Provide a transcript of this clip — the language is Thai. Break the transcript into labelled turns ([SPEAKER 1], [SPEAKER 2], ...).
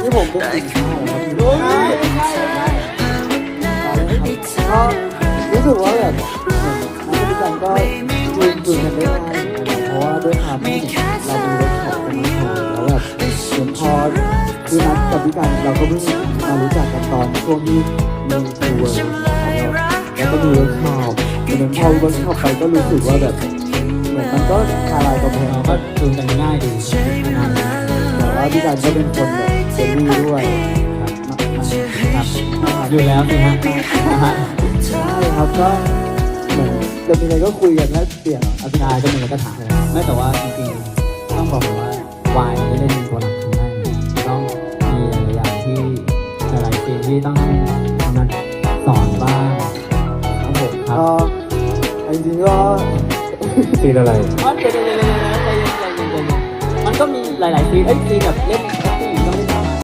[SPEAKER 1] ที่ผมเป็นสินค้าครับก็รู้สึกว่าแบบนักวิจารณ์ก็ยืนคุยกันได้ง่ายเพราะว่าด้วยความที่เรามีเวิร์กช็อปกันมาก่อนแล้วแบบเหมือนพอคือนัดกับวิจารณ์เราก็เพิ่งมารู้จักกันตอนช่วงที่มีทัวร์แล้วก็มีเวิร์กช็อปเหมือนพอเวิร์กช็อปไปก็รู้สึกว่าแบบเหมือนมันก็คลายกำแพง
[SPEAKER 2] เราก็จูนกันง่ายดี
[SPEAKER 1] แต่ว่าพี่การก็เป็นคนแบบเฟรนลี่ด้วย
[SPEAKER 2] ครับอยู่แล้วสิฮะฮะ
[SPEAKER 1] ใช่ครับก็เหมือนจะมีอะไรก็คุยกันแล้วเปลี่ยน
[SPEAKER 2] อภิชายก็มีอะไรก็ถามไม่แต่ว่าจริงๆต้องบอกเลยว่าวายไม่ได้เป็นตัวหลักทั้งนั้นต้องมีหลายอย่างที่หลายๆสิ่งที่ต้องนัดสอนบ้าง
[SPEAKER 1] ครับผม
[SPEAKER 2] ครับ
[SPEAKER 1] ก็จริงๆก็
[SPEAKER 3] ซีนอะไร
[SPEAKER 2] อ๋อเดี๋ยวใจเย็นมันก็มีหลายๆซีนซีนแบบเล่น